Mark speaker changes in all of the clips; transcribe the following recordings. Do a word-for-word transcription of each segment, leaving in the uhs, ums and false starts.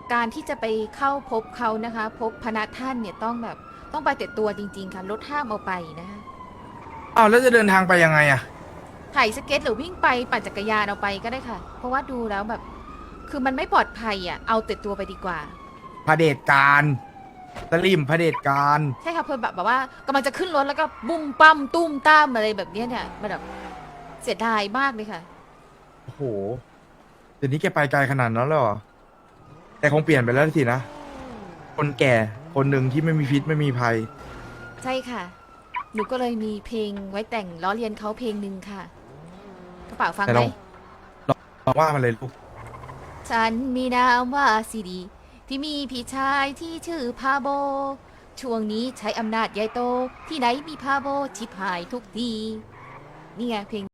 Speaker 1: การที่จะไปเข้าพบเขานะคะ พบพนักท่านเนี่ยต้องแบบต้องไปแต่ตัวจริงๆค่ะรถห้ามเอาไปนะคะ
Speaker 2: อ้าวแล้วจะเดินทางไปยังไงอะ
Speaker 1: ถ่ายสเก็ตหรือวิ่งไปปั่นจักรยานเอาไปก็ได้ค่ะ เพราะว่าดูแล้วแบบ คือมันไม่ปลอดภัยอ่ะเอาแต่ตัวไปดีกว่า
Speaker 2: เผด็จการสลิมเผด็จการ
Speaker 1: ใช่ค่ะเพื่อนแบบแบบว่ากำลังจะขึ้นรถแล้วก็บุ้มปั้มตุ้มตามอะไรแบบเนี้ยเนี่ยมันแบบเสียดายมากเลยค่ะ
Speaker 2: โอ้โหเดี๋ยวนี้แกไปไกลขนาดนั้นแล้วเหรอแกคงเปลี่ยนไปแล้วสินะ คนแก่คนหนึ่งที่ไม่มีพิษไม่มีภัย
Speaker 1: ใช่ค่ะ หนูก็เลยมีเพลงไว้แต่งล้อเลียนเขาเพลงหนึ่งค่ะกระเป๋าฟัง
Speaker 2: แต่
Speaker 1: ไหม
Speaker 2: ลองลองว่ามันเลยลูก
Speaker 1: ฉันมีนามว่าซีดี ที่มีพี่ชายที่ชื่อพาโบ ช่วงนี้ใช้อำนาจใหญ่โต ที่ไหนมีพาโบชิบหายทุกทีนี่ไงเพลง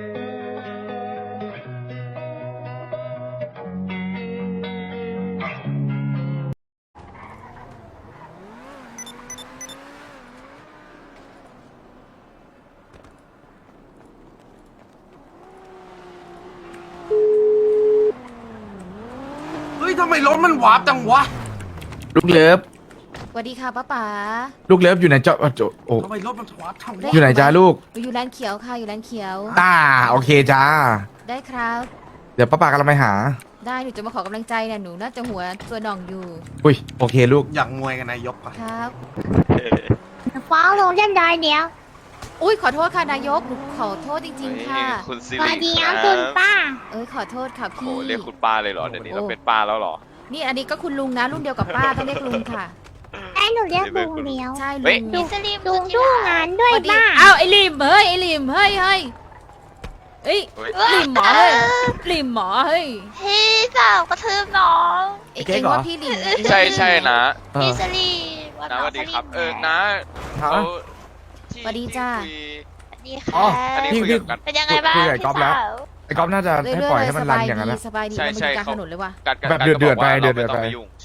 Speaker 3: เฮ้ยทำไมรถมันวาร์ปจังวะ
Speaker 2: ลูกเลิฟ
Speaker 1: สวัสดีค่ะป้าป๋า
Speaker 2: ลูกเลิฟอยู่ไหนเจ้าโจโอ้
Speaker 3: ทำไมรถมันวาร์ปจัง
Speaker 1: ได้
Speaker 3: วะ
Speaker 2: อยู่ไหนจ้าลูก
Speaker 1: หนูอยู่ร้านเขียวค่ะอยู่ร้านเขียว
Speaker 2: อ่าโอเคจ้า
Speaker 1: ได้ครับ
Speaker 2: เดี๋ยวป้าปากำลังไปหา
Speaker 1: ได้หนูจะมาขอกำลังใจเนี่ยหนูน่าจะหัวตัวหน่องอยู่
Speaker 2: อุ้ยโอเคลูก
Speaker 3: อยากมวยกันนายกปะ
Speaker 1: ครับ
Speaker 4: ฟ้องลงเรียบร้อยเดียว
Speaker 1: อุ้ยขอโทษค่ะนายกหนูขอโทษจริง ๆ ค่ะ
Speaker 5: คุณซิ
Speaker 4: สวั
Speaker 5: ริ
Speaker 4: สดี
Speaker 5: ค
Speaker 4: ค
Speaker 5: รั
Speaker 4: รั
Speaker 5: บบ
Speaker 4: คุณป้า
Speaker 1: เอ้ยขอโทษค่ะ
Speaker 5: โอ้
Speaker 1: พี่
Speaker 5: เรียกคุณป้าเลยเหรอ เดี๋ยวนี้เราเป็นป้าแล้วเหรอ
Speaker 1: นี่อันนี้ก็คุณลุงนะรุ่นเดียวกับป้าต้องเรียกลุงค่ะ
Speaker 4: ให้หนูเรียกลุงเดียว
Speaker 1: ใช่
Speaker 5: เฮ้
Speaker 1: ลุ
Speaker 5: ย
Speaker 1: ง
Speaker 4: ลุงลุงสู้งานด้วย
Speaker 1: สวัสดี
Speaker 4: ป้า
Speaker 1: อ้าวไอ้ลิมเฮ้ยไอ้ลิมเฮ้ยเฮ้ยเอ้ย
Speaker 5: เฮ้ย
Speaker 1: ลิมหมอเฮ้ยลิมหมอเฮ้ย
Speaker 4: พี่สาวกระทืบน้อง
Speaker 1: เอ็ง
Speaker 2: เก๊ก
Speaker 1: เอ็ง
Speaker 2: เหรอ
Speaker 1: ว่าพี่ลิมนะเอ็งว่า
Speaker 5: ใช่
Speaker 1: พี่ลิม
Speaker 5: ใช่นะ
Speaker 2: เออ
Speaker 4: พี่สลีว่า
Speaker 5: นะ
Speaker 4: น้
Speaker 5: ส
Speaker 4: อง
Speaker 5: วัสดีครับ
Speaker 4: สลี
Speaker 5: เออนะ
Speaker 2: ฮะ
Speaker 5: เขาที่
Speaker 1: สวัสดีจ้า
Speaker 5: ที่คุย
Speaker 4: สวัสดี
Speaker 2: อ๋อ
Speaker 4: ค่ะ
Speaker 5: อันนี้
Speaker 2: พี่
Speaker 5: คุย
Speaker 2: พี่
Speaker 5: กัน
Speaker 4: เป็นยังไงบ้าง
Speaker 2: คุยกับไอ้
Speaker 4: พี่
Speaker 2: ก๊อฟแล้ว
Speaker 4: สาว
Speaker 2: ไอ้ก๊อฟน่าจะ
Speaker 1: เรื่
Speaker 2: ให้
Speaker 1: อย
Speaker 2: ปล่อย
Speaker 1: ๆ
Speaker 2: ให้มัน
Speaker 1: ส
Speaker 2: รัน
Speaker 1: บาย
Speaker 2: อย่างนั้น
Speaker 1: ดี
Speaker 2: นะ
Speaker 1: สบายดี
Speaker 5: ใช่
Speaker 1: มัน
Speaker 5: ใช่
Speaker 1: อยู่กลาง
Speaker 5: เขา
Speaker 1: ถนนเลยว่ะ
Speaker 5: กัดกั
Speaker 2: แบบ
Speaker 5: กั
Speaker 2: เดือด
Speaker 5: ก็
Speaker 2: เดือด
Speaker 5: บกว่า
Speaker 2: ไปเดือด
Speaker 5: ราม่
Speaker 2: เดือด
Speaker 5: ต้อง
Speaker 2: ไป
Speaker 5: ยุ่งใช่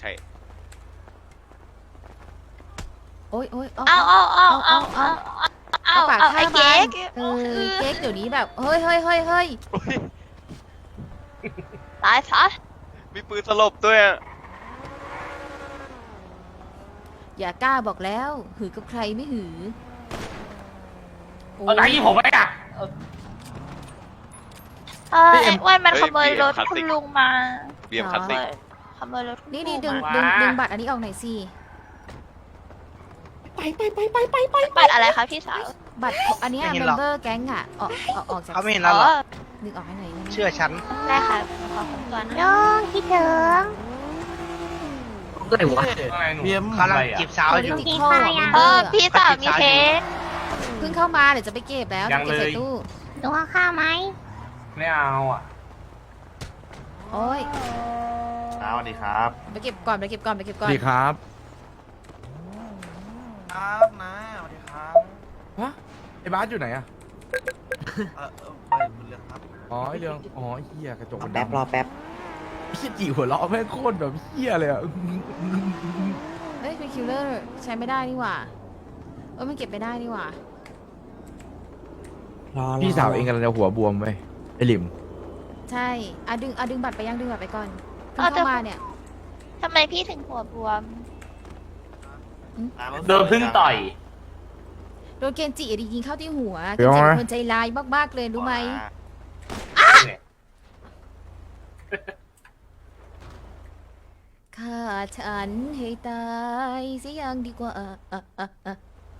Speaker 1: โอ๊ยโอ๊ย
Speaker 4: เอาเอาเอาเอาเอาเอา
Speaker 1: ปาก
Speaker 4: เอา
Speaker 1: ข้า
Speaker 4: ไอ้
Speaker 1: มั
Speaker 4: เก๊
Speaker 1: น
Speaker 4: ก
Speaker 1: เออเก๊กเดี๋ยวนี้แบบเฮ้ยเฮ้ยเฮ้ยเฮ้ย
Speaker 4: ตายซะ
Speaker 5: มีปืนสลบด้วยอะ
Speaker 1: อย่ากล้าบอกแล้วหือกับใครไม่หือโอ้
Speaker 3: อะไรผมไม่อะ
Speaker 4: เออไอ้อ้วนมันขโมยรถคุณลุงมา
Speaker 5: เบียมคลาสสิก
Speaker 4: ขโมยรถคุณ
Speaker 1: นี่
Speaker 4: ลุ
Speaker 1: นี่
Speaker 4: ง
Speaker 1: ดึง
Speaker 4: มา
Speaker 1: ดึงดึงบัตรอันนี้ออกหน่อยสิ
Speaker 4: บัตรอะไรคะพี่สาว
Speaker 1: บัตรอันเนี้ย
Speaker 6: ไม่เห็
Speaker 1: เม
Speaker 6: นหร
Speaker 1: ม
Speaker 6: อก
Speaker 1: เบอร์แก๊งอ่ะออกออกออกจาก
Speaker 6: เขาไม่เห็น
Speaker 4: อ๋
Speaker 6: เรา
Speaker 4: อ
Speaker 6: หรอก
Speaker 1: ดึงออกให้หน่อยได้ไหม
Speaker 6: เชื่อฉัน
Speaker 4: ได้ค่ะขอคนตัวนะ
Speaker 7: น้องคิดถึง
Speaker 6: ก็เลยวะเบียมกำลังจีบสาวอยู่
Speaker 1: ดิจิทัลเมม
Speaker 4: เอ
Speaker 1: เบอ
Speaker 4: อ
Speaker 1: ร์
Speaker 4: พี่สาวมีเค้ก
Speaker 1: เพิ่งเข้ามาเดี๋ยวจะไปเก็บแล้วเดี๋ยวเก็บใส่ตู้
Speaker 7: หนูเอาข้าวไหม
Speaker 3: ไม่เอาอ่ะ
Speaker 1: โอ้ย
Speaker 6: สวัสดีครับ
Speaker 1: ไปเก็บก่อนไปเก็บก่อนไปเก็บ
Speaker 2: ส
Speaker 1: ก่อ
Speaker 2: วัน สดีครับ
Speaker 6: ครับนะสวัสดีครับ
Speaker 2: ฮะไอ้บาสอยู่ไหนอะ
Speaker 6: เออเออไปเรื่องครับ
Speaker 2: อ๋อไอ้เรื่องอ๋อไอ้เหี้ยกระจกมัน
Speaker 6: แป๊บรอแป๊บ
Speaker 2: พี่จีหัวเราะแม่งโคตรแบบเหี้ยเลยอะ
Speaker 1: เฮ้ยเป็นคิลเลอร์ใช้ไม่ได้นี่หว่าเออมันเก็บไม่ได้นี่หว่า
Speaker 2: พี่สาวเองกำลังจะหัวบวมไปไอ้หลิม
Speaker 1: ใช่อ่ะดึงอ่ะดึงบัตรไปยังดึงบัตรไปก่อนเพิ่งเข้ามาเนี่ย
Speaker 4: ทำไมพี่ถึงหัวบวม
Speaker 3: โดนพึ่งต่อย
Speaker 1: โดนเกนจิยิงเข้าที่หัวเก
Speaker 2: เดี๋
Speaker 1: น
Speaker 2: ยว
Speaker 1: จิ
Speaker 2: นะ
Speaker 1: เป็นคนใจร้ายมากๆเลยรู้ไหมฆ่าฉันให้ตายเสียยังดีกว่าอ่ะอ่ะอ่ะอ่ะ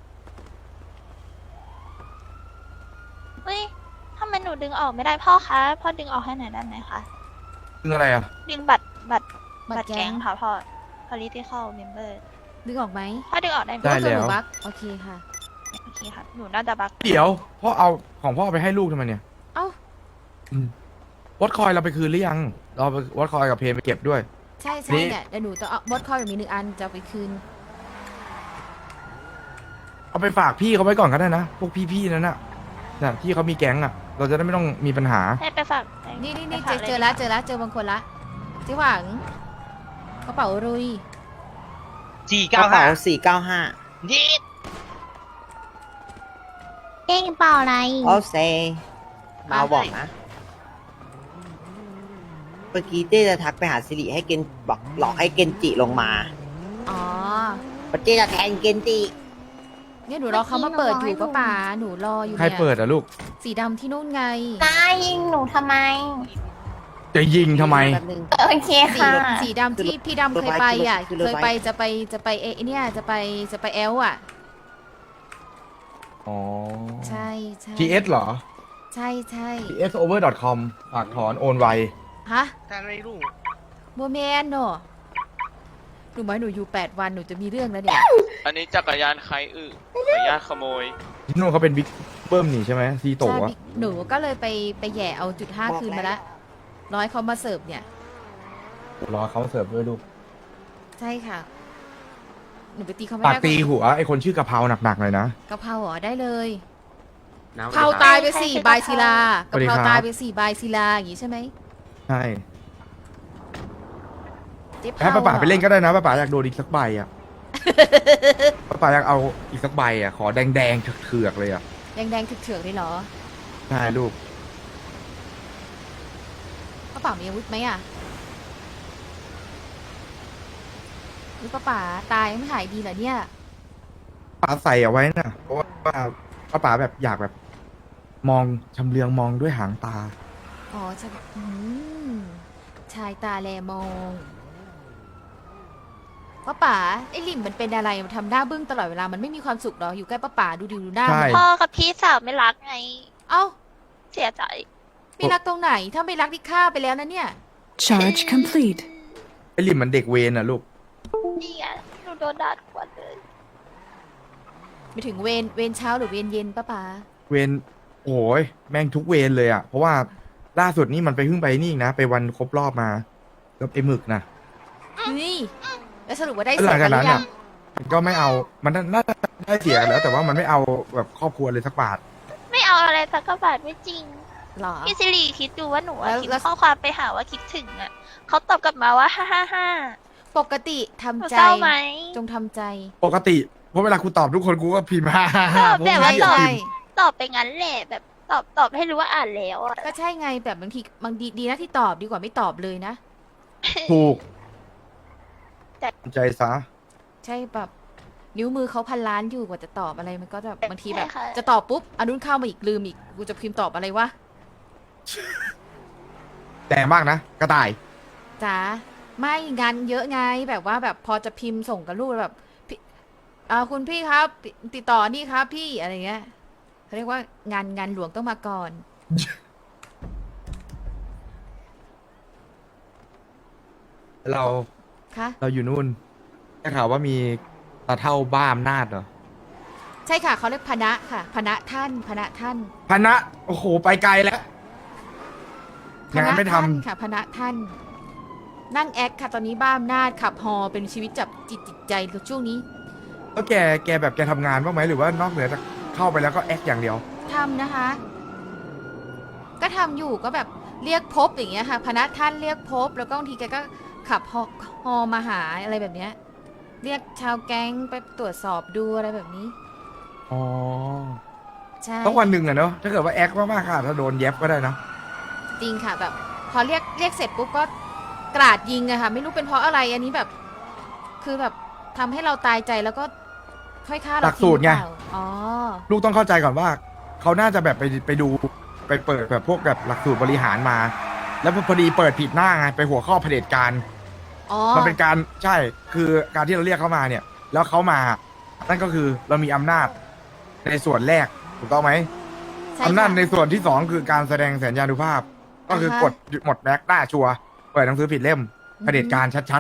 Speaker 4: เฮ้ยทำไมหนูดึงออกไม่ได้พ่อคะ พ่อดึงออกให้หน่อยได้ไหมคะ
Speaker 2: ซึ่งอะไรอะ
Speaker 4: ดึงบัตรบัตร
Speaker 1: บั
Speaker 4: บั
Speaker 1: ต
Speaker 4: ต
Speaker 1: ร
Speaker 4: ร
Speaker 1: แก๊
Speaker 4: แก๊
Speaker 1: ง
Speaker 4: งค่ะพ่อ political member
Speaker 1: ดึงออกไหม
Speaker 4: พ่อดึงออกได้ไหม
Speaker 2: ได้
Speaker 1: ก็คือ
Speaker 2: แล้
Speaker 1: หนู
Speaker 2: ว
Speaker 1: บักโอเคค่ะ
Speaker 4: โอเคค่ะ หนูน่าจะบัก
Speaker 2: เดี๋ยวพ่อเอาของพ่อไปให้ลูกทำไมเนี่ย
Speaker 1: เอ้า
Speaker 2: วัดคอยเราไปคืนหรือยัง เราไปวัดคอยกับเพนไปเก็บด้วย
Speaker 1: ใช่ใช่
Speaker 2: นี่
Speaker 1: เนี่ยเดี๋ยวหนูต้องเอาบอสคอยแบบมีหนึ่งอันจะเอาไปคืน
Speaker 2: เอาไปฝากพี่เขาไว้ก่อนก็ได้นะ พวกพี่ๆนั่นน่ะน่ะที่เขามีแก๊งอ่ะ เราจะได้ไม่ต้องมีปัญหา
Speaker 4: ให้ไปฝาก
Speaker 1: นี่นี่นี่
Speaker 4: ไป
Speaker 1: เจ
Speaker 4: ฝา
Speaker 1: อก เจอแล้วเจอแล้วเจอบางคนละเจ๊หวังกระเป๋ารุย
Speaker 6: สี่
Speaker 8: ก
Speaker 6: เก้า
Speaker 8: ระเป๋า
Speaker 6: ห้า
Speaker 8: สี่เก้าห้า
Speaker 6: ยีด
Speaker 7: เก่งเปล่าอะไร
Speaker 8: โอเซมาบอกนะ
Speaker 6: มื่อกี้เจ๊จะทักไปหาสิริให้เกนบอกหลอกให้เกนจิลงมา
Speaker 1: อ๋อ
Speaker 6: ว่าเจ๊จะแทนเกนจิ
Speaker 1: เนี่ยหนูรอเขามาเปิดอยู่ป้าป๋าหนูรออยู่
Speaker 2: ใคร
Speaker 1: เนี่ย
Speaker 2: เปิดอะลูก
Speaker 1: สีดำที่นู่นไง
Speaker 7: นายยิงหนูทำไม
Speaker 2: จะยิงทำไม
Speaker 6: แป๊บนึง
Speaker 7: โอเค
Speaker 1: สี
Speaker 7: ค่ะ
Speaker 1: สีดำที่พี่ดำเคยไปอ่ะ
Speaker 6: คือรถ
Speaker 1: เคย
Speaker 6: ไฟ
Speaker 1: ไปจะไปจะไปเอเนี่ยจะไปจะไปแอลอ่ะ
Speaker 2: อ๋อ
Speaker 1: ใช่ใช่
Speaker 2: ที เอส เหรอ
Speaker 1: ใช่ใช่
Speaker 2: ที เอส โอเวอร์ ดอท คอม ฝากถอนโอนไว
Speaker 1: ฮะ
Speaker 6: ท่านไม่รู้
Speaker 1: โมเมนเนอะหนูบอกให้หนูอยู่แปดวันหนูจะมีเรื่องแล้วเนี่ย
Speaker 5: อันนี้จักรยานใครอึขออนุญาตขโมย
Speaker 2: ที่นู่นเขาเป็นบิ๊กเบิ้มนี่ใช่ไหมซีโต
Speaker 1: ใช่
Speaker 2: อะ
Speaker 1: พี่หนูก็เลยไปไปแหย่เอาจุดห้าคืนมาละร้อยเขามาเสิร์ฟเนี่ย
Speaker 2: รอเขาเสิร์ฟด้วยลูก
Speaker 1: ใช่ค่ะ หนูไปตีเขาไม่
Speaker 2: ปาก
Speaker 1: ได้
Speaker 2: ตีหัวไอคนชื่อกะเพราหนักๆเลยนะ
Speaker 1: กะเพราเหรอได้เลย
Speaker 3: น้ำ
Speaker 1: เผาตายไปสี่
Speaker 4: ใครคือ
Speaker 1: ใบศิลา
Speaker 2: สวั
Speaker 1: กะ
Speaker 2: สดี
Speaker 1: เพรา
Speaker 2: ครับ
Speaker 1: ตายไปสี่ใบศิลาอย่างงี้ใช่ไหม
Speaker 2: ใช่
Speaker 1: เจ๊
Speaker 2: ให้
Speaker 1: เผา
Speaker 2: ป้าป๋าไปเล่นก็ได้นะป้าป๋าอยากโดนอีกสักใบอ่ะ ป้าป๋าอยากเอาอีกสักใบอ่ะ ขอแดงๆเถือกๆเลยอ่ะ
Speaker 1: แดงแดงๆเถือกๆเลยเหรอ
Speaker 2: ใช่ลูก
Speaker 1: ป้าป๋ามีอาวุธไหมอ่ะนี่ป้าป๋าตายยังไม่หายดีเหรอเนี่ย
Speaker 2: ป๋าใส่เอาไว้น่ะ เพราะว่าป้าป๋าแบบอยากแบบ มองชำเลืองมองด้วยหางตา
Speaker 1: อ๋อใช่อืมชายตาแลมองป้าป๋าไอ้ลิมมันเป็นอะไรมันทำหน้าบึ้งตลอดเวลามันไม่มีความสุขหรออยู่ใกล้ป้าป๋าดูดิดูหน้า
Speaker 2: ใช่
Speaker 1: มัน
Speaker 4: พ่อกับพี่สาวไม่รักไง
Speaker 1: เอ้า
Speaker 4: เสียใจ
Speaker 1: ไม่รักตรงไหน ถ้าไม่รักที่ฆ่าไปแล้วนะเนี่ย
Speaker 8: Charge complete.
Speaker 2: ไอลิมมันเด็กเวรน่ะลูก
Speaker 4: นี่ไงหนูโดนด่าทุกวันเลย
Speaker 1: ไปถึงเวรเวรเช้าหรือเวรเย็นป้าป๋า
Speaker 2: เวรโอ้ยแม่งทุกเวรเลยอ่ะ เพราะว่าล่าสุดนี่มันไปเพิ่งไปนี่อีกนะ ไปวันครบรอบมากับไอ้หมึกนะ
Speaker 1: นี่แล้วสรุปว่าได้
Speaker 2: แล้ว
Speaker 1: เสี
Speaker 2: หลั
Speaker 1: ย
Speaker 2: ง
Speaker 1: กั
Speaker 2: จาน ก
Speaker 1: หรื
Speaker 2: นั้น
Speaker 1: อยั
Speaker 2: อ่ะ
Speaker 1: ง
Speaker 2: มันก็ไม่เอา มันน่าจะได้เสียกันแล้ว แต่ว่ามันไม่เอาแบบครอบครัวเลยสักบาท
Speaker 4: ไม่เอาอะไรสักกระบาทไม่จริง
Speaker 1: หรอ
Speaker 4: พี่สิริคิดดูว่าหนูอะ
Speaker 1: แล้ว
Speaker 4: คิด
Speaker 1: แล้ว
Speaker 4: ข้อความไปหาว่าคิดถึงอ่ะเขาตอบกลับมาว่าฮ่าฮ่าฮ่า
Speaker 1: ปกติทำ
Speaker 4: หนู
Speaker 1: ใจ
Speaker 4: เศร้าไหม
Speaker 1: จงทำใจ
Speaker 2: ปกติ เพราะเวลากูตอบทุกคนกูก็พิมพ์ฮ่าฮ่า
Speaker 4: ต
Speaker 2: ฮ่า
Speaker 4: อบแบบว่า
Speaker 2: เพ
Speaker 4: ต
Speaker 2: ระ
Speaker 4: อบ
Speaker 2: พิมพ์
Speaker 4: ตอบไปงั้นแหละแบบตอบตอบให้รู้ว่าอ่านแล้วอ่ะ
Speaker 1: ก็ใช่ไงแบบบางทีบางดีดีนะที่ตอบดีกว่าไม่ตอบเลยนะ
Speaker 2: ถูก
Speaker 4: แต่
Speaker 2: ใจซะ
Speaker 1: ใช่แบบนิ้วมือเขาพันล้านอยู่กว่าจะตอบอะไรมันก็แบบบางทีแบบ
Speaker 4: ใช่ค่ะ
Speaker 1: จะตอบปุ๊บอันนู้นเข้ามาอีกลืมอีกกูจะพิมพ์ตอบอะไรวะ
Speaker 2: แต่มากนะ กระต่าย
Speaker 1: จ๋าไม่งานเยอะไงแบบว่าแบบพอจะพิมพ์ส่งกับลูกแบบพี่อ่าคุณพี่ครับติดต่อนี่ครับพี่อะไรเงี้ยเขาเรียกว่างานงานหลวงต้องมาก่อน
Speaker 2: เรา
Speaker 1: คะ
Speaker 2: เราอยู่นู่นได้ข่าวว่ามีตาเท่าบ้าอำนาจเหรอ
Speaker 1: ใช่ค่ะเขาเรียกพนะค่ะพนะท่านพนะท่าน
Speaker 2: พนะโอ้โห ไปไกลแล้ว
Speaker 1: พ
Speaker 2: งาน
Speaker 1: นะ
Speaker 2: ไม่ท
Speaker 1: ท่านค่ะพนะท่าน นั่งแอคค่ะตอนนี้บ้าอำนาจขับฮอเป็นชีวิตจับจิตจิตใจช่วงนี้
Speaker 2: ำแล้วแก แกแบบแกทำงานบ้างไหมหรือว่านอกเหนือจากเข้าไปแล้วก็แอคอย่างเดียว
Speaker 1: ทำนะคะ ก็ทำอยู่ก็แบบเรียกพบอย่างเงี้ยค่ะพนักท่านเรียกพบ แล้วก็บางทีแกก็ขับฮอฮอมาหาอะไรแบบเนี้ย เรียกชาวแก๊งไปตรวจสอบดูอะไรแบบนี้
Speaker 2: อ๋อ
Speaker 1: ใช่
Speaker 2: ต้องวันหนึ่งอะเนาะ ถ้าเกิดว่าแอคมากๆค่ะถ้าโดนแย็บก็ได้นะ
Speaker 1: จริงค่ะแบบ พอเรียกเรียกเสร็จปุ๊บก็กราดยิงอะค่ะ ไม่รู้เป็นเพราะอะไรอันนี้แบบ คือแบบทำให้เราตายใจแล้วก็ค่อยฆ่าเรา
Speaker 2: หลักสูตรไง
Speaker 1: ทิ้หอเปล่าอ๋อ
Speaker 2: ลูกต้องเข้าใจก่อนว่า เขาน่าจะแบบไปไปดูไปเปิดแบบพวกแบบหลักสูตรบริหารมา แล้วพอดีเปิดผิดหน้าไงไปหัวข้อเผด็จการ
Speaker 1: อ๋อ
Speaker 2: มันเป็นการใช่คือการที่เราเรียกเขามาเนี่ย แล้วเขามา นั่นก็คือเรามีอำนาจในส่วนแรกถูกต้องไหม
Speaker 1: ใช่ค่ะ
Speaker 2: อำนาจในส่วนที่สองคือการแสดงสัญญานุภาพ ก็คือ
Speaker 1: อ่าฮะ
Speaker 2: กดหมดแบ็กได้ชัวร์เปิดหนังสือผิดเล่มเผด็จการชัด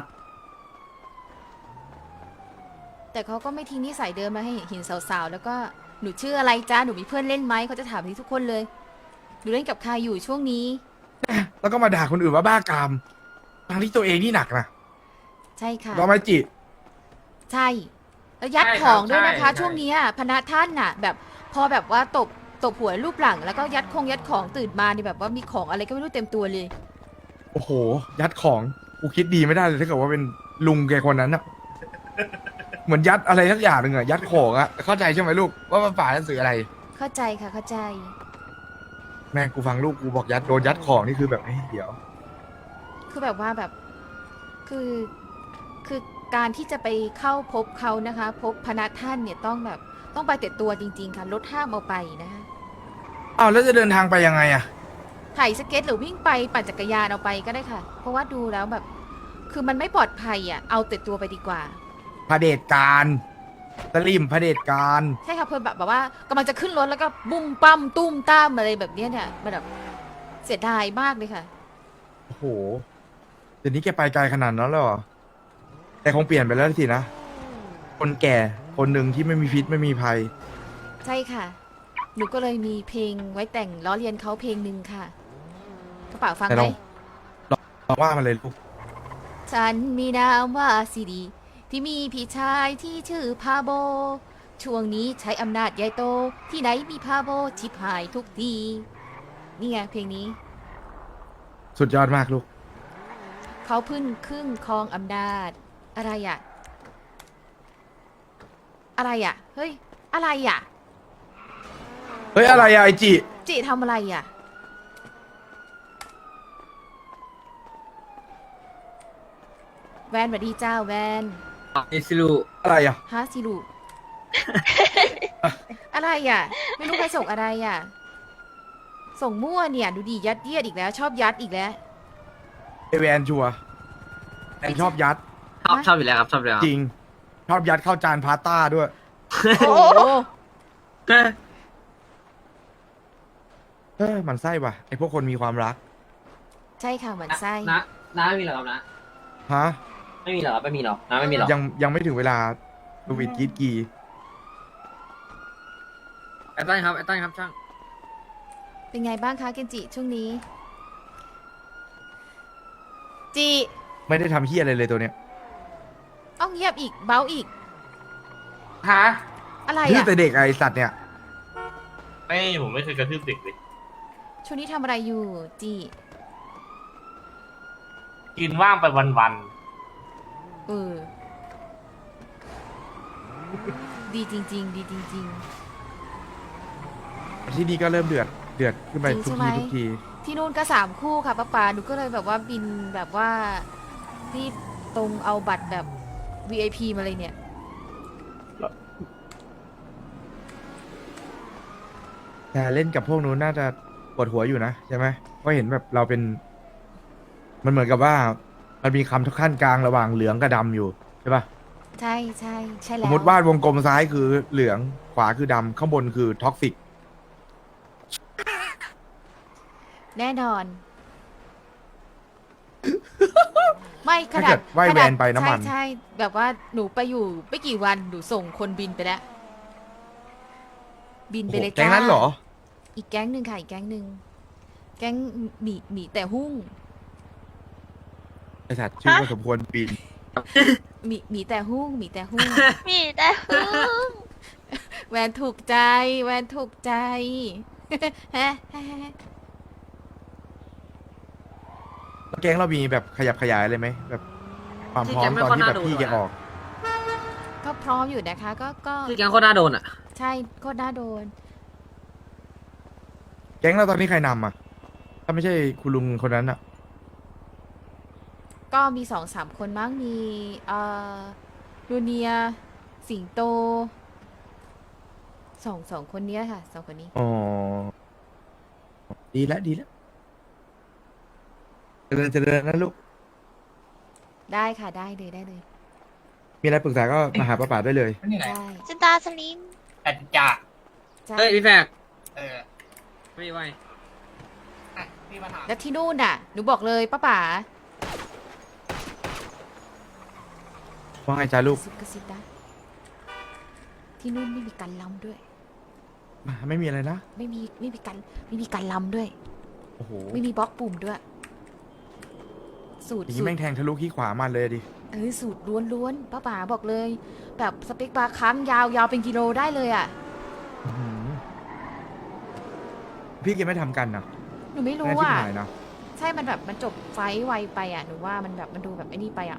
Speaker 1: แต่เขาก็ไม่ทิ้งนิสัยเดิมมาให้เห็นสาวๆ แล้วก็หนูชื่ออะไรจ้าหนูมีเพื่อนเล่นไหมเขาจะถามที่ทุกคนเลยหนูเล่นกับใครอยู่ช่วงนี้
Speaker 2: ๆ แล้วก็มาด่าคนอื่นว่าบ้ากามทั้งที่ตัวเองนี่หนักนะ
Speaker 1: ใช่ค่ะ
Speaker 2: รอไหมจิ
Speaker 1: ใช่แล้วยัด
Speaker 3: ใช่
Speaker 1: ข
Speaker 3: ครับ
Speaker 1: องด้วยนะคะ
Speaker 3: ใช่
Speaker 1: ช่วงเนี้ยพนักท่านน่ะ แบบพอแบบว่าตบตบหัวรูปหลัง แล้วก็ยัดคงยัดของตื่นมานี่แบบว่ามีของอะไรก็ไม่รู้เต็มตัวเลย
Speaker 2: โอ้โห ยัดของกูคิดดีไม่ได้เลยถ้าเกิดว่าเป็นลุงแกคนนั้นอะเหมือนยัดอะไรสักอย่างหนึ่งอะยัดของอะเข้าใจใช่ไหมลูกว่ามันฝ่ายหนังสืออะไร
Speaker 1: เข้าใจค่ะเข้าใจ
Speaker 2: แม่งกูฟังลูกกูบอกยัดโดนยัดของนี่คือแบบเฮ้ยเดี๋ยว
Speaker 1: เคือแบบว่าแบบคือคือการที่จะไปเข้าพบเขานะคะ พบพนักท่านเนี่ยต้องแบบต้องไปแต่ตัวจริงๆค่ะรถห้ามเอาไปนะคะ
Speaker 2: อ้าวแล้วจะเดินทางไปยังไงอะ
Speaker 1: ถ่ายสเก็ตหรือวิ่งไปปั่นจักรยานเอาไปก็ได้ค่ะ เพราะว่าดูแล้วแบบ คือมันไม่ปลอดภัยอ่ะเอาแต่ตัวไปดีกว่า
Speaker 2: เผด็จการสลิมเผด็จการ
Speaker 1: ใช่ค่ะเพื่อนแบบแบบว่ากำลังจะขึ้นรถแล้วก็บุ้มปั้มตุ้มต้ามอะไรแบบเนี้ยเนี่ยมันแบบเสียดายมากเลยค่ะ
Speaker 2: โอ้โหเดี๋ยวนี้แกไปไกลขนาดนั้นแล้วเหรอแต่คงเปลี่ยนไปแล้วสินะ คนแก่คนหนึ่งที่ไม่มีพิษไม่มีภัย
Speaker 1: ใช่ค่ะ หนูก็เลยมีเพลงไว้แต่งล้อเลียนเขาเพลงหนึ่งค่ะกระเป๋าฟัง
Speaker 2: แต่
Speaker 1: ไหม
Speaker 2: เรา เราว่ามาเลยลูก
Speaker 1: ฉันมีนามว่าซีดี ที่มีพี่ชายที่ชื่อพาโบ ช่วงนี้ใช้อำนาจใหญ่โต ที่ไหนมีพาโบชิบหายทุกที นี่ไงเพลงนี้
Speaker 2: สุดยอดมากลูก
Speaker 1: เขาพึ่งครึ่งครองอำนาจ อะไรอะอะไรอะเฮ้ย อะไรอะ
Speaker 2: เฮ้ยอะไรอะไอจิ
Speaker 1: จิทำอะไรอะแวนสวัสดีเจ้าแวน
Speaker 6: เอซิลู
Speaker 2: อะไรอะ
Speaker 1: ฮาซิลู อะไรอะไม่รู้ใครส่งอะไรอะส่งมั่วเนี่ยดูดียัดเยียดอีกแล้ว ชอบยัดอีกแล้ว
Speaker 2: ไอแวนชัวร์แอนชอบยัด
Speaker 6: ชอบชอบอยู่แล้วครับชอบอยู่แล้ว
Speaker 2: จริง ชอบยัดเข้าจานพาสต้าด้วย
Speaker 1: โอ้โห
Speaker 2: เออมันไส้ว่ะไอพวกคนมีความรัก
Speaker 1: ใช่ค่ะเหมือนไส้
Speaker 6: นะน้าไม่มีหรอครับนะ
Speaker 2: ฮะ
Speaker 6: ไม่มีหรอครับไม่มีหรอน้าไม่มีหรอ
Speaker 2: ยังยังไม่ถึงเวลาสวิตกรีดกี
Speaker 6: ไอ้ต้นครับไอ้ต้นครับช่าง
Speaker 1: เป็นไงบ้างคะเกนจิช่วงนี้ จิ
Speaker 2: ไม่ได้ทำเฮียอะไรเลยตัวเนี้ย
Speaker 1: เอ้าเงียบอีกเบ้าอีก
Speaker 3: ฮะ
Speaker 1: อะไร
Speaker 2: ดื้อ
Speaker 1: อะ
Speaker 2: แต่เด็กไอสัตว์เนี่ย
Speaker 3: ไม่ผมไม่เคยกระทืบเด็กเลย
Speaker 1: ช่วงนี้ทำอะไรอยู่ จิ
Speaker 3: กินว่างไปวัน
Speaker 1: เออ ดีจริง ๆ ดีจริง
Speaker 2: ที่นี่ก็เริ่มเดือดเดือดขึ้นไป
Speaker 1: จริง
Speaker 2: ทุก
Speaker 1: ใช่ไหม
Speaker 2: ทีทุกที
Speaker 1: ๆ ที่นู่นก็สามคู่ค่ะป้าปาหนูก็เลยแบบว่าบินแบบว่ารีบตรงเอาบัตรแบบ วี ไอ พี มาเลยเนี่ย
Speaker 2: แต่เล่นกับพวกนู้นน่าจะปวดหัวอยู่นะใช่ไหมเพราะเห็นแบบเราเป็น มันเหมือนกับว่า มันมีคำทุกขั้นกลางระหว่างเหลืองกับดำอยู่ใช่ปะ
Speaker 1: ใช่ใช่ใช่
Speaker 2: ส
Speaker 1: แล้
Speaker 2: ม
Speaker 1: ว
Speaker 2: มติวาดวงกลมซ้ายคือเหลืองขวาคือดำข้างบนคือท็อกซิก
Speaker 1: แน่นอน ไม่ข
Speaker 2: ถ้า
Speaker 1: นา
Speaker 2: เกิ
Speaker 1: ด
Speaker 2: ดว่าย
Speaker 1: ข
Speaker 2: แว
Speaker 1: นาด
Speaker 2: นไปน้ำมัน
Speaker 1: ใช่ใช่แบบว่าหนูไปอยู่ไม่กี่วันหนูส่งคนบินไปแล้ว บิน
Speaker 2: โอ้
Speaker 1: ไป
Speaker 2: โห
Speaker 1: เลย
Speaker 2: แก๊
Speaker 1: จ้าง
Speaker 2: นั้นเหรอ
Speaker 1: อีกแก๊งหนึ่งค่ะอีกแก๊งหนึ่งแก๊งหมีหมีแต่หุ้ง
Speaker 2: ไอสัตว์ชื่อก็สมควรปีน
Speaker 1: หมีหมีแต่หุ้งหมีแต่หุ้ง
Speaker 4: มีแต่พึ่ง
Speaker 1: แวนถูกใจ แวนถูกใจ ฮะฮะฮะ
Speaker 2: แล้วแก๊งเรามีแบบขยับขยายเลยไหมแบบความพร้อมตอนที่แบบพี่แกออก
Speaker 1: ก็พร้อมอยู่นะคะ ก็ก็
Speaker 6: คือแกงโคตรน่าโดนอ่ะ
Speaker 1: ใช่ก็น่าโดน
Speaker 2: แก๊งเราตอนนี้ใครนำอ่ะ ถ้าไม่ใช่คุณลุงคนนั้นอ่ะ
Speaker 1: ก็มีสองสามคนมั้งมีเอ่อลูเนีย สิงโตสองสองคนเนี้ยค่ะสองคนนี้
Speaker 2: อ๋อ ดีแล้วดีแล้วเจริญเจริญนะลูก
Speaker 1: ได้ค่ะได้เลยได้เลย
Speaker 2: มีอะไรปรึกษาก็มาหาป้าป๋าได้เลย
Speaker 1: ได้
Speaker 4: จินตาสลิม
Speaker 3: แต่จ่า
Speaker 1: ใช่
Speaker 6: เฮ้ยพี่แฟก
Speaker 3: เออ
Speaker 6: ไม่ไหว
Speaker 3: อ่ะพี่มาถาม
Speaker 1: แล้วที่นู่นน่ะหนูบอกเลยป้าป๋า
Speaker 2: ว่าไงจ้าลูก
Speaker 1: ซุกกระซิบนะที่นู่นไม่มีการลำด้วย
Speaker 2: ไม่มีอะไรนะ
Speaker 1: ไม่มีไม่มีการไม่มีการลำด้วย
Speaker 2: โอ้โห
Speaker 1: ไม่มีบล็อกปุ่มด้วย สูตร
Speaker 2: อย่าง
Speaker 1: สู
Speaker 2: นี้
Speaker 1: ต
Speaker 2: แม่
Speaker 1: รง
Speaker 2: แทงทะลุขี้ขวามาเลยดิ
Speaker 1: เออสูตรล้วนๆป้าป๋าบอกเลย แบบสเปคบาร์ค้างยาวยาวเป็นกิโลได้เลยอ่ะ
Speaker 2: อื้อหือพี่แกไม่ทำกันนะ
Speaker 1: หนูไม่รู้
Speaker 2: แน่ที่
Speaker 1: อ่ะ
Speaker 2: หายนะ
Speaker 1: ใช่มันแบบมันจบไฟท์ไวไปอ่ะหนูว่ามันแบบมันดูแบบไอ้นี่ไปอ่ะ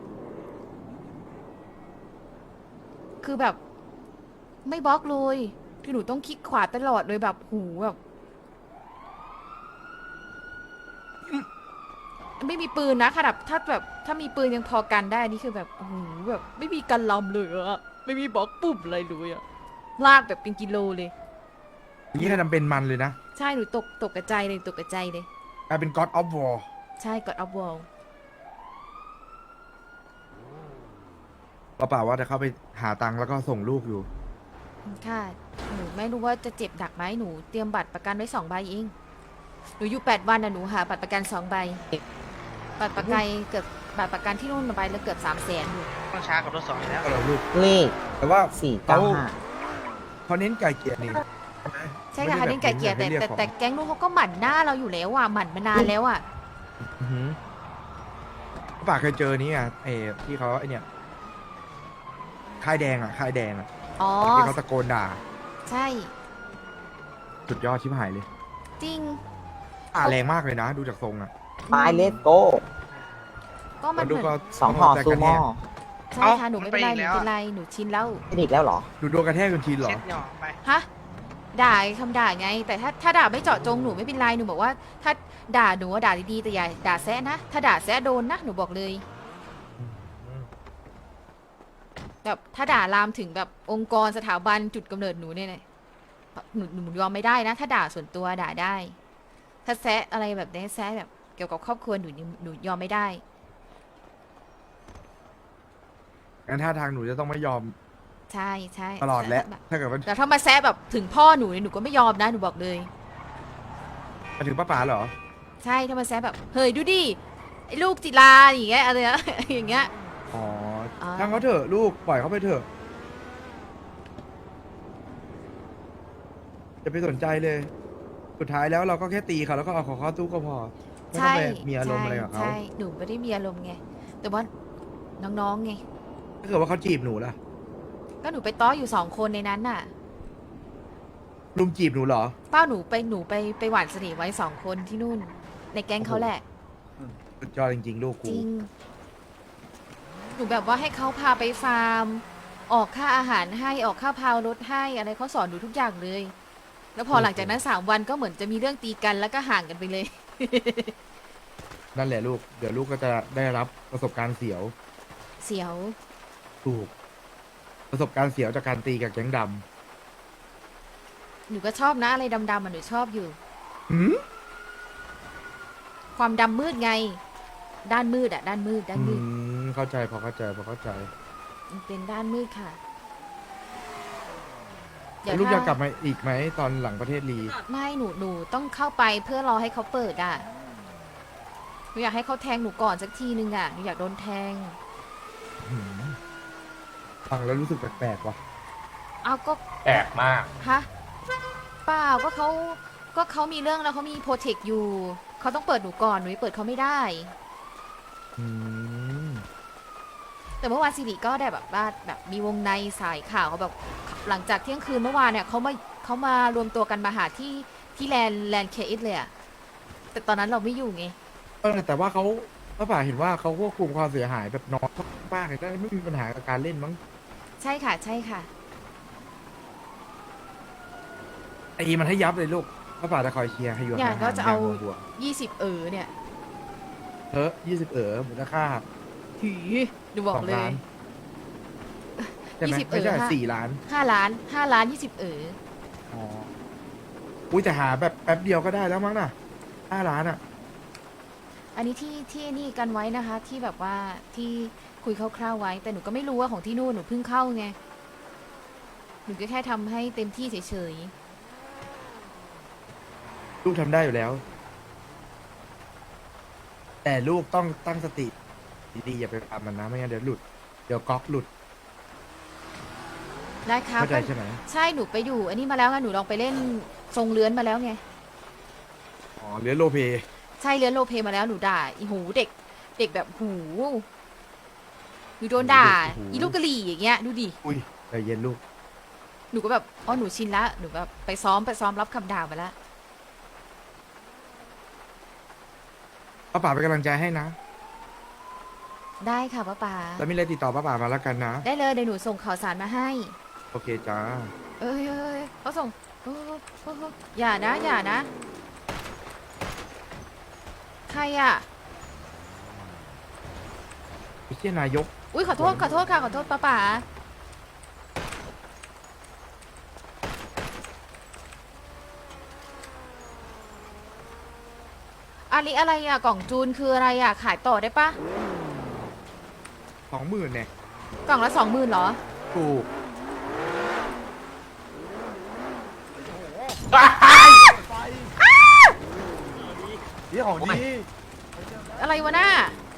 Speaker 1: คือแบบ ไม่บล็อกเลยคือหนูต้องคลิกขวาตลอดเลยแบบหูแบบไม่มีปืนนะขนาดถ้าแบบถ้ามีปืนยังพอกันได้นี่คือแบบโอ้โหแบบไม่มีกันลำเลยอะไม่มีบล็อกปุ่มอะไรเลยอะลากแบบเป็นกิโลเลย
Speaker 2: นี่แค่ทำเป็นมันเลยนะ
Speaker 1: ใช่หนูตกตกกระจายเลยตกกระจายเลย
Speaker 2: กลายเป็น God of War
Speaker 1: ใช่กดอัพวอล
Speaker 2: เปล่าๆว่าจะเข้าไปหาตังค์แล้วก็ส่งลูกอยู่
Speaker 1: ค่ะหนูไม่รู้ว่าจะเจ็บหนักไหมหนูเตรียมบัตรประกันไว้สองใบเองหนูอยู่แปดวันนะหนูหาบัตรประกันสองใบบัตรประกันเกือบบัตรประกันที่นู่นมาใบแล้วเกือบสามแสนอยู่
Speaker 6: ต้องช้ากับรถสองแล้ว
Speaker 2: ก็เราลูก
Speaker 8: เลข
Speaker 2: แต่ว่า
Speaker 8: สี่เก้าห้า
Speaker 2: เขาเน้นไก่เกลียนี่
Speaker 1: ใช่ค่ะเขาเล่นไก่เกลียร์แต่
Speaker 2: ไม่ได้
Speaker 1: แต่
Speaker 2: บบ
Speaker 1: แต่แก๊งนู้นเขาก็หมั่นหน้าเราอยู่แล้วอ่ะหมั่นมานานแล้วอ่ะ
Speaker 2: อื้อหือป่าเคยเจอนี่อ่ะเออที่เขาไอเนี่ยค่ายแดงอ่ะค่ายแดงอ่ะ
Speaker 1: อ๋อ
Speaker 2: ที่เขาตะโกนด่า
Speaker 1: ใช่
Speaker 2: สุดยอดชิบหายเลย
Speaker 1: จริง
Speaker 2: ป่าแรงมากเลยนะ ดูจากทรงอ่ะ
Speaker 8: ไม้เลสโก้
Speaker 1: ก็มัน
Speaker 2: ดู
Speaker 1: เหมือน
Speaker 2: ก็
Speaker 8: สองห่อซูโม่
Speaker 1: ใช่ค่ะหนูไม่เป็นไรหนูเป็นไรหนูชินแล้ว
Speaker 8: เป็นอีกแล้วเหรอ
Speaker 2: ดูโดนกระแทกจนชินเหรอ
Speaker 6: เช็ดหย่อไป
Speaker 1: ฮะด่าคำด่าไง แต่ถ้าถ้าด่าไม่เจาะจงหนูไม่เป็นไรหนูบอกว่า ถ้าด่าหนูว่าด่าดีๆแต่อย่าด่าแซะนะถ้าด่าแซะโดนนะหนูบอกเลยแบบถ้าด่าลามถึงแบบองค์กรสถาบันจุดกำเนิดหนูเนี่ยนะหนูหนูยอมไม่ได้นะ ถ้าด่าส่วนตัวด่าได้ ถ้าแซะอะไรแบบนี้แซะแบบเกี่ยวกับครอบครัวหนูหนูยอมไม่ได้
Speaker 2: งั้นท่าทางหนูจะต้องไม่ยอม
Speaker 1: ใช่ใช่
Speaker 2: ตลอดแหละ
Speaker 1: ซบบ
Speaker 2: ถ้าเกิดว่า
Speaker 1: แต่ถ้ามาแซะแบบถึงพ่อหนูเนี่ยหนูก็ไม่ยอมนะหนูบอกเลย
Speaker 2: มาถึงป้าป๋าเหรอ
Speaker 1: ใช่ถ้ามาแซะแบบเฮ้ยดูดิไอ้ลูกจิลาอย่างเงี้ยอะไรนะ อย่างเงี้ย
Speaker 2: อ๋อ
Speaker 1: อ่า
Speaker 2: ช่างเขาเถอะลูกปล่อยเขาไปเถอะจะไปสนใจเลย สุดท้ายแล้วเราก็แค่ตีเขาแล้วก็เอาของเขาตู้ก็พอไม่ต้อง
Speaker 1: ใช่
Speaker 2: ไปมีอารมณ์อะไรกับเขา
Speaker 1: ใช่หนูไม่ได้มีอารมณ์ไงแต่ว่าน้องๆไง
Speaker 2: ถ้าเกิดว่าเขาจีบหนูล่ะ
Speaker 1: ก็หนูไปต้ออยู่สองคนในนั้นน่ะ
Speaker 2: ลุมจีบหนูเหรอ
Speaker 1: เป้าหนูไปหนูไปไปหวานเสน่ห์ไว้สองคนที่นู่น ในแก๊งเขาแหละ
Speaker 2: สุดยอดจริงๆ ลูก
Speaker 1: จ
Speaker 2: กู
Speaker 1: ริง หนูแบบว่าให้เขาพาไปฟาร์ม ออกค่าอาหารให้ออกค่าพาวรถให้อะไรเขาสอนหนูทุกอย่างเลย แล้วพอหลังจากนั้นสามวันก็เหมือนจะมีเรื่องตีกันแล้วก็ห่างกันไปเลย
Speaker 2: นั่นแหละลูก เดี๋ยวลูกก็จะได้รับประสบการณ์เสียว
Speaker 1: เสียว
Speaker 2: ถูก ประสบการณ์เสียวจากการตีกับแก๊งด
Speaker 1: หนูก็ชอบนะอะไรดำๆอ่ะหนูชอบอยู่
Speaker 2: ำหืม
Speaker 1: ความดำมืดไง ด้านมืดอ่ะ ด้านมืดด้าน
Speaker 2: อื
Speaker 1: มืด
Speaker 2: มเข้าใจพอเข้าใจพอเข้าใจ
Speaker 1: มันเป็นด้านมืดค่ะ
Speaker 2: แล้วลูกจะ
Speaker 1: ถ้าก
Speaker 2: ลับมาอีกไหมตอนหลังประเทศลี
Speaker 1: ไม่หนูหนูต้องเข้าไปเพื่อรอให้เขาเปิดอ่ะหนูอยากให้เขาแทงหนูก่อนสักทีนึงอ่ะหนูอยากโดนแทง
Speaker 2: หืมฟังแล้วรู้สึกแปลกๆว่ะ
Speaker 1: เอาก็
Speaker 3: แปลกมาก
Speaker 1: ฮะเปล่าก็เขาก็เขามีเรื่องแล้วเขามีโปรเทคอยู่เขาต้องเปิดหนูก่อนหนูเปิดเขาไม่ได้
Speaker 2: อืม
Speaker 1: แต่เมื่อวานสิริก็ได้แบบว่าแบบมีวงในสายข่าวเขาแบบหลังจากเที่ยงคืนเมื่อวานเนี่ยเขามาเขามารวมตัวกันมาหาที่ที่แลนแลนเคอิสเลยอะแต่ตอนนั้นเราไม่อยู่ไง
Speaker 2: เออแต่ว่าเขาป้าป่าเห็นว่าเขาควบคุมความเสียหายแบบน้อยมากเลยได้ไม่มีปัญหากับการเล่นมั้ง
Speaker 1: ใช่ค่ะใช่ค่ะ
Speaker 2: ไอ้มันให้ยับเลยลูกป้าป่าจะคอยเชียร์ให้อยู่
Speaker 1: เนี่ย
Speaker 2: ห่างๆ
Speaker 1: ก็จะเอา
Speaker 2: ย่งห่วง
Speaker 1: ยี่สิบเออเนี่ย
Speaker 2: ๆเฮ้ยยี่สิบเอ๋อมูลค่า
Speaker 1: หือดูบอ
Speaker 2: ส
Speaker 1: ก
Speaker 2: อง
Speaker 1: เล
Speaker 2: ล้าย นใช่ไหม
Speaker 1: ยี่สิบ
Speaker 2: ไม่ใช่
Speaker 1: เออค่ะ
Speaker 2: สี่ล้าน
Speaker 1: ห้าล้านห้าล้านยี่สิบเออ
Speaker 2: อ๋ออุ้ยแต่หาแบบแป๊บเดียวก็ได้แล้วมั้งน่ะห้าล้านอ่ะ
Speaker 1: อันนี้ที่ที่นี่กันไว้นะคะ ที่แบบว่าที่คุยคร่าวๆไว้ แต่หนูก็ไม่รู้ว่าของที่นู่นหนูเพิ่งเข้าไงหนูก็แค่ทำให้เต็มที่เฉย
Speaker 2: ลูกทำได้อยู่แล้ว แต่ลูกต้องตั้งสติดีๆอย่าไปทำมันนะไม่งั้นเดี๋ยวหลุดเดี๋ยวก๊อกหลุด
Speaker 1: ๆได้ครับ
Speaker 2: เข้าใจ
Speaker 1: ก็
Speaker 2: ใช่ไหม
Speaker 1: ใช่หนูไปอยู่ อันนี้มาแล้วไงหนูลองไปเล่นทรงเลื้อนมาแล้วไง
Speaker 2: อ๋อเรือโลเพ
Speaker 1: ใช่เลื้อนโรลเพลย์มาแล้วหนูด่าอีหูเด็ก เด็กแบบหูหนูโดนด่าอีลูกกะหรี่อย่างเงี้ยดูดิ
Speaker 2: อุ้ยใจเย็นลูก
Speaker 1: หนูก็แบบอ๋อหนูชินละหนูแบบไปซ้อมไปซ้อมรับคำด่ามาแล้ว
Speaker 2: ป้าป่าเป็นกำลังใจให้นะ
Speaker 1: ได้ค่ะป้าป๋า
Speaker 2: แล้วมีอะไรติดต่อป้าป่ามาแล้วกันนะ
Speaker 1: ได้เลยเดี๋ยวหนูส่งข่าวสารมาให้
Speaker 2: โอเคจ้า
Speaker 1: เอ้ยเอ้ยเอ้ยเขาส่งโอ้โหโอ้โหอย่านะ อย่านะ ใครอ่ะ
Speaker 2: ไอ้เชี่ยนายก
Speaker 1: อุ้ยขอโทษขอโทษค่ะขอโทษป้าป๋าอันนี้อะไรอ่ะกล่องจูนคืออะไรอ่ะขายต่อได้ปะ
Speaker 2: สองหมื่นเนี่ย
Speaker 1: กล่องละสองหมื่นเหรอ
Speaker 2: ถูกนี่ของดี
Speaker 1: อะไรวะน่า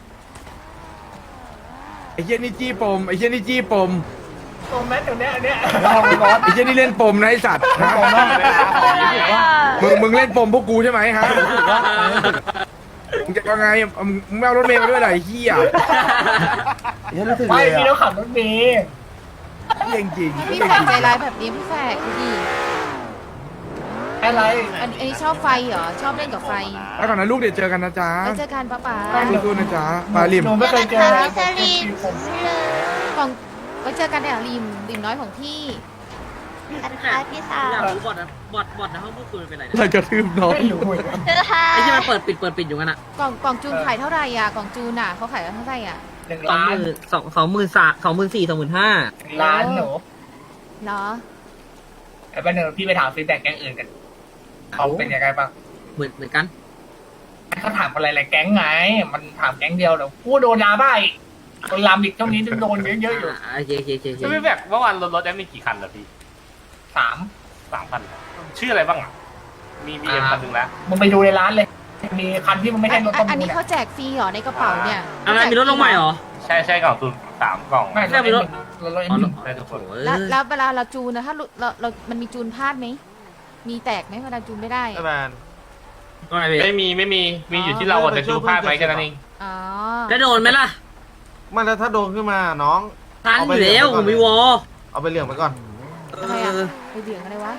Speaker 2: ไอ้เชี่ยนี่จี้ปมไอ้เชี่ยนี่จี้ปม
Speaker 3: ตรงแมสเดี๋ยวนี้อันเนี้ย
Speaker 2: ไอ้เชี่ยนี่เล่นปมนะไอ้สัตว์ฮะมึงมึงเล่นปมพวกกูใช่ไหมฮะมึงจะยังไงมึงมึงไม่เอารถเมล์มาด้วยเหรอไอ้เหี้ย
Speaker 8: เฮ้ยรู้สึก
Speaker 3: ไม่
Speaker 8: เลย
Speaker 3: พี่ต้อ
Speaker 8: อ่ะ
Speaker 3: งขับรถเมล์
Speaker 2: เรื่องจริง
Speaker 1: พี่แฝกใจร้ายแบบนี้พี่แฝกดูดิ
Speaker 3: อะไร
Speaker 1: อันอันนี้ชอบไฟเหรอชอบเล่นกับไฟ
Speaker 2: แล้วก่อนนะลูกเดี๋ยวเจอกันนะจ๊ะ
Speaker 1: ไปเจอกันป้าป๋า
Speaker 2: สู้ๆนะจ๊ะปลาลิม
Speaker 3: หนูไม่เคยเจอ
Speaker 4: พี่สลิมเลย
Speaker 1: กล่องไว้เจอกันเนี่ยริมริมน้อยของพี่
Speaker 4: กันค่ะพี่สาว
Speaker 6: อยากรู้บอดอะบอดบอดในห้องพูดคุยมันเป็นไรเนี่ย
Speaker 2: เรากระทืบน้อง
Speaker 3: ไม่รู้เหมือนกัน
Speaker 4: เจอค่ะ
Speaker 6: ไอ้ที่มันเปิดปิดเปิดปิดอยู่กันอะ
Speaker 1: กล่องกล่องจูนขายเท่าไหร่อ่ะกล่องจูนอ่ะเขาขายกันเท่าไหร่อ่ะ
Speaker 3: หนึ่ง
Speaker 6: สอง
Speaker 3: ล้า
Speaker 6: ห
Speaker 3: น
Speaker 6: มื่นสองสองหมื่นสามสองหมื่นสี่สองหมื่นห้า
Speaker 3: ล้านหนู
Speaker 1: เนาะ
Speaker 3: ไอ้บ้านเนอพี่ไปถามฟีดแบ็กแก๊งอื่นกันเขาเป็นยังไงบ้าง
Speaker 6: เหมือนเหมือนกัน
Speaker 3: เขาถามอะไรหลายแก๊งไง มันถามแก๊งเดียวเดี๋ยวกูโดนยาบ้าอีกคนลามอีกเท่านี้จะโดนเยอะๆอยู่
Speaker 6: อ่าโอเคโอเคโอเคโอเค
Speaker 3: จะไม่แบบเมื่อวานรถรถได้มีกี่คันเหรอพี่สามสามคันชื่ออะไรบ้างอ่ะ มีบีเอ็มคันหนึ่งแล้วมึงไปดูในร้านเลย มีคันที่มันไม่
Speaker 1: อั
Speaker 3: ใช่
Speaker 1: น
Speaker 3: รถประ
Speaker 1: อัน
Speaker 3: มูล
Speaker 1: นี้
Speaker 3: เนี่ย
Speaker 1: เขาแจกฟรีเหรอในกระเป๋าเนี่ย
Speaker 6: อะไรมีรถลงใหม่เหรอ
Speaker 3: ใช่ใช่กล่องตุนสามกล่อง
Speaker 6: ไม่ใช่มีรถ
Speaker 3: รถรถ
Speaker 6: อ๋อ
Speaker 3: ได้ทุกคน
Speaker 6: โอ้ย
Speaker 1: แล้วแล้วเวลาเราจูนนะถ้าเราเราเรามันมีจูนพลาดไหมมีแตกไหมเวลาจูนไม่ได้อะ
Speaker 6: ว่าไงพี่
Speaker 3: ไม่มีไม่มี มีอยู่ที่เราอะแต่ดูพลาดไปแค่นั้นเอง
Speaker 1: อ๋อ
Speaker 6: แล้วโดนไหมล่ะ
Speaker 9: ไมันแล้วถ้าโดนขึ้นมาน้อง
Speaker 6: ทันอยู่แล้วผมมีวอล
Speaker 9: เอาไปเหลืองไปก่อน
Speaker 1: อะไรอ่ะไปเบี่ยงอะไรวะ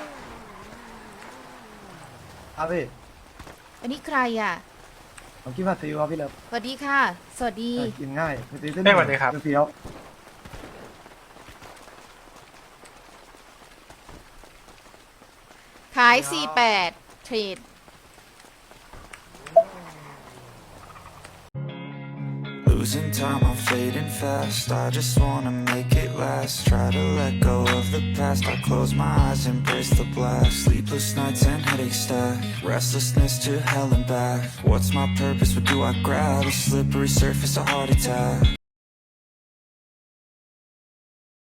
Speaker 8: ครับพี่
Speaker 1: อันนี้ใครอ่ะ
Speaker 8: ผมคิดว่าซีอิ๊วครับพี่เลิฟ
Speaker 1: สวัสดีค่ะ สวัสดี
Speaker 8: กินง่ายซีอิ๊ว
Speaker 3: เอ้ยสวัสดีครับ
Speaker 8: เฟี้ยว
Speaker 1: ขาย สี่แปด เทรด
Speaker 10: Losing time, I'm fading fast. I just wanna make it last. Try to let go of the past. I close my eyes, embrace the blast. Sleepless nights and headaches stack. Restlessness to hell and back. What's my purpose? What do I grab? A slippery surface, a heart attack.